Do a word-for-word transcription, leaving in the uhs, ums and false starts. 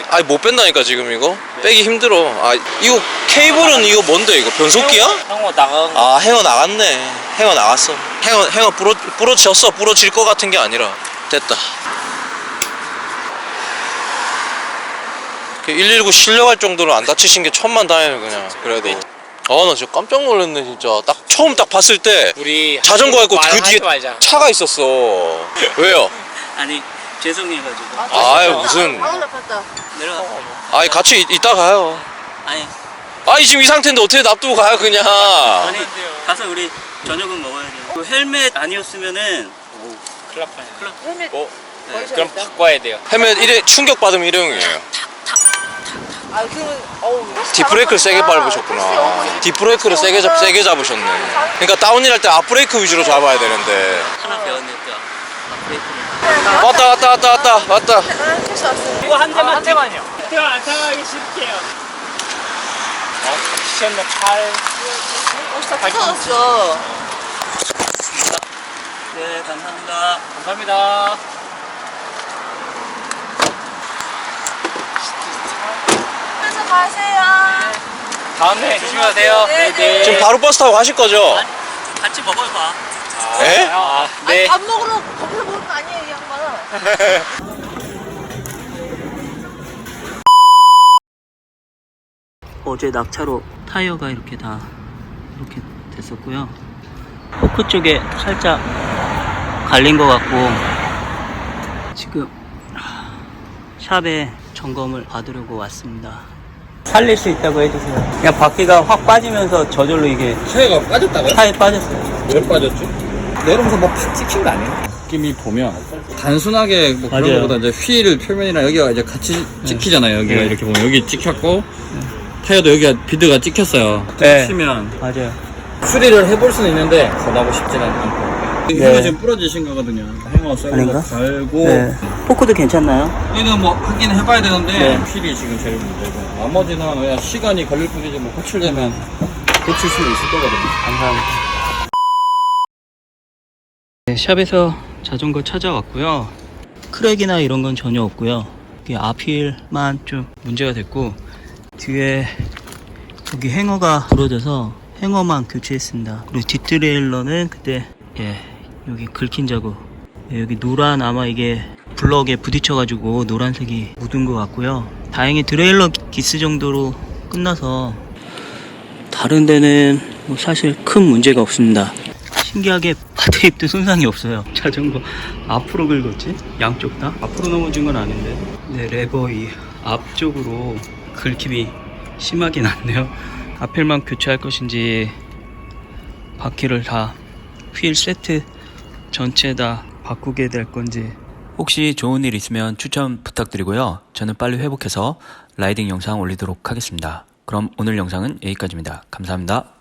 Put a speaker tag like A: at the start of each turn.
A: 아니 못 뺀다니까 지금 이거. 빼기 힘들어. 아 이거 케이블은 이거 뭔데 이거 변속기야?
B: 행어 나간 거.
A: 아 행어 나갔네. 행어 나갔어. 행어 행어 부러 부러졌어. 부러질 것 같은 게 아니라 됐다. 일일구 실려갈 정도로 안 다치신 게 천만 다행이에요 그냥. 그래도 아 나 진짜 깜짝 놀랐네 진짜. 딱 처음 딱 봤을 때
B: 우리
A: 자전거 갖고
B: 말
A: 그 뒤에
B: 하지 말자.
A: 차가 있었어. 왜요?
B: 아니 죄송해가지고.
A: 아유 무슨
C: 아 나빴다.
B: 내려가.
A: 아니 같이 이, 이따 가요.
B: 아니
A: 아니 지금 이 상태인데 어떻게 놔두고 가요 그냥.
B: 아니 가서 우리 저녁은 먹어야 돼요. 그 헬멧 아니었으면은
D: 큰일 날 뻔했네.
C: 헬멧
A: 어?
D: 네, 그럼 바꿔야 돼요.
A: 헬멧 일회 충격 받으면 일회용이에요.
C: 아 그러면 어우.
A: 뒷브레이크를 세게 밟으셨구나. 뒷브레이크를 세게 잡 세게 잡으셨네. 그러니까 다운힐 할 때 앞브레이크 위주로 잡아야 되는데.
B: 하나 배웠는데 브레이크를.
A: 왔다 왔다 왔다 왔다 왔다.
C: 택시 왔어.
B: 이거 한 대만
D: 한 대만요. 제가 안 타기 쉽게요. 어, 시켰네 팔.
C: 옷이 다 찢어졌어.
B: 네 감사합니다.
D: 감사합니다.
C: 그래서 가세요.
D: 다음에 조심하세요.
C: 네, 네.
A: 지금 바로 버스 타고 가실 거죠?
B: 아니, 같이 먹어요 봐.
A: 에?
D: 아,
C: 아니
D: 네.
C: 밥 먹으러 거기서 먹는 거 아니에요 이 양반은.
B: 어제 낙차로 타이어가 이렇게 다 이렇게 됐었고요. 포크 쪽에 살짝 갈린 것 같고 지금 샵에 점검을 받으려고 왔습니다. 살릴 수 있다고 해주세요. 그냥 바퀴가 확 빠지면서 저절로 이게
E: 차이가 빠졌다고요?
B: 타에 빠졌어요.
E: 왜 빠졌지? 내려오면서 뭐 팍 찍힌 거 아니에요? 느낌이 보면 단순하게 뭐 그런
B: 맞아요.
E: 거보다 이제 휠 표면이랑 여기가 이제 같이 찍히잖아요. 여기가
B: 네.
E: 이렇게 보면 여기 찍혔고 타이어도 여기가 비드가 찍혔어요.
B: 네.
E: 치면
B: 맞아요.
E: 수리를 해볼 수는 있는데 권하고 싶지는 않고.
B: 네.
E: 네. 지금 부러지신 거거든요. 행어 썰고
B: 아닌가?
E: 갈고
B: 네. 포크도 괜찮나요?
E: 얘는 뭐 하긴 해봐야 되는데
B: 네.
E: 휠이 지금 제일 문제고 나머지는 그냥 시간이 걸릴 뿐이지 뭐 호출되면 고칠 수는 있을 거거든요.
B: 감사합니다. 네, 샵에서 자전거 찾아왔고요. 크랙이나 이런 건 전혀 없고요. 이게 앞휠만 좀 문제가 됐고 뒤에 여기 행어가 부러져서 행어만 교체했습니다. 그리고 뒷트레일러는 그때 예 여기 긁힌 자국, 예, 여기 노란 아마 이게 블럭에 부딪혀가지고 노란색이 묻은 것 같고요. 다행히 트레일러 기스 정도로 끝나서 다른 데는 뭐 사실 큰 문제가 없습니다. 신기하게 바테입도 손상이 없어요. 자전거 앞으로 긁었지? 양쪽 다? 앞으로 넘어진 건 아닌데. 네, 레버 이 앞쪽으로 긁힘이 심하게 났네요. 앞휠만 교체할 것인지 바퀴를 다 휠 세트 전체 다 바꾸게 될 건지.
F: 혹시 좋은 일 있으면 추천 부탁드리고요. 저는 빨리 회복해서 라이딩 영상 올리도록 하겠습니다. 그럼 오늘 영상은 여기까지입니다. 감사합니다.